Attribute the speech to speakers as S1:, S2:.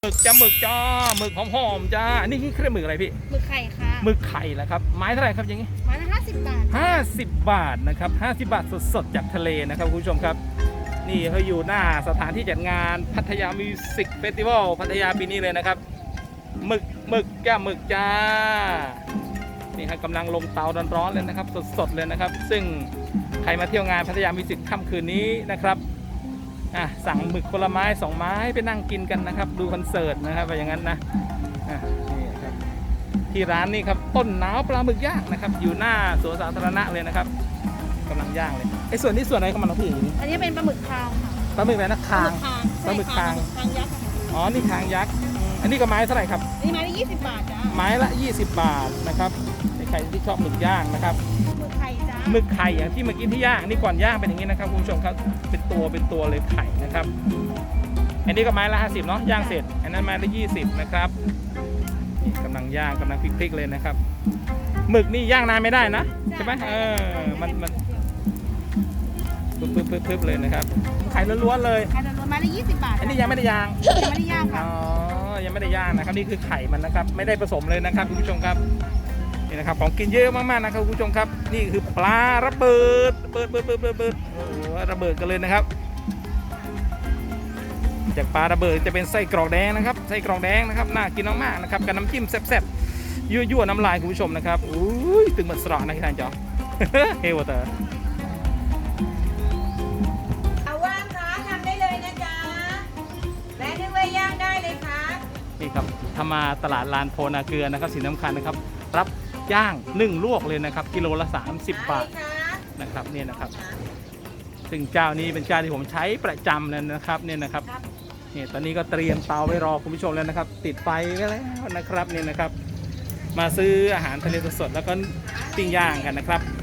S1: หมึกจ้าหมึกจ้าหมึกหอมๆจ้านี่คือเครื่องหมึกอะไรพี่
S2: หมึกไข่ค่ะ
S1: หมึกไข่แหละครับไม้เท่าไหร่ครับอย่างนี้
S2: ไม้ละ50 บาท
S1: 50 บาทนะครับ50 บาทสดๆจากทะเลนะครับคุณผู้ชมครับนี่เขาอยู่หน้าสถานที่จัดงานพัทยามิวสิกเฟสติวัลพัทยาปีนี้เลยนะครับหมึกจ้าหมึกจ้านี่ครับกำลังลงเตาร้อนๆเลยนะครับสดๆเลยนะครับซึ่งใครมาเที่ยวงานพัทยามิวสิกค่ำคืนนี้นะครับสั่งหมึกคนละไม้2 ไม้ไปนั่งกินกันนะครับดูคอนเสิร์ตนะครับไปอย่างนั้นนะนี่ครับที่ร้านนี่ครับต้นหนาวปลาหมึกย่างนะครับอยู่หน้าสวนสาธารณะเลยนะครับกำลังย่างเลยไอ้ส่วนนี้ส่วนอะไรของมันนะพี่อย่างนี้
S2: อันนี้เป็นปลาหมึกคางค่ะ
S1: ปลาหมึกอะไรนะคางปลาหมึกคาง
S2: ยักษ์
S1: อ๋อนี่คางยักษ์อันนี้ก็ไม้เท่าไหร่ครับ
S2: นี่ไม้ละ20 บาทจ้า
S1: ไม้ละ20 บาทนะครับใครที่ชอบหมึกย่างนะครับ
S2: หมึกไข่จ้า
S1: หมึกไข่อย่างที่เมื่อกี้ที่ย่างนี่ก่อนย่างเป็นอย่างนี้นะครับคุณผู้ชมครับเป็นตัวเลยไข่นะครับอันนี้ก็ไม้ละ50เนาะย่างเสร็จอันนั้นไม้ละ20นะครับนี่กำลังย่างกำลังพลิกๆเลยนะครับหมึกนี่ย่างนานไม่ได้นะใช่ไหมมันปึ๊บเลยนะครับไข่ล้วนๆเลย
S2: ไข่ล้วนไม้ละ20 บาท
S1: อันนี้ยังไม่ได้ย่าง
S2: ยังไม่ได้ย่างค่ะ
S1: อ๋อยังไม่ได้ย่างนะครับนี่คือไข่มันนะครับไม่ได้ผสมเลยนะครับคุณผู้ชมครับนี่นะครับของกินเยอะมากๆนะครับคุณผู้ชมครับนี่คือปลาระเบิดโอ้โหระเบิดกันเลยนะครับจากปลาระเบิดจะเป็นไส้กรอกแดงนะครับไส้กรอกแดงนะครับน่ากินมากๆนะครับกับน้ำจิ้มแซ่บๆยั่วน้ำลายคุณผู้ชมนะครับอุ้ยตึงเหมือนสระนะที่ท่านจอเฮวเตอร์
S3: เอาว่างคะทำได้เลยนะจ๊ะแม่นึกว่าย่างได้เลยค่ะ
S1: นี่ครับถ้ามาตลาดลานโพนาเกลือนะครับสิ่งสำคัญนะครับรับย่างนึ่งลวกเลยนะครับกิโลละ30 บาทนะครับนี่นะครับซึ่งเจ้านี้เป็นเจ้าที่ผมใช้ประจำเลยนะครับเนี่ยนะครับนี่ตอนนี้ก็เตรียมเตาไว้รอคุณผู้ชมแล้วนะครับติดไฟไว้แล้วนะครับเนี่ยนะครับมาซื้ออาหารทะเลสดๆแล้วก็ปิ้งย่างกันนะครับ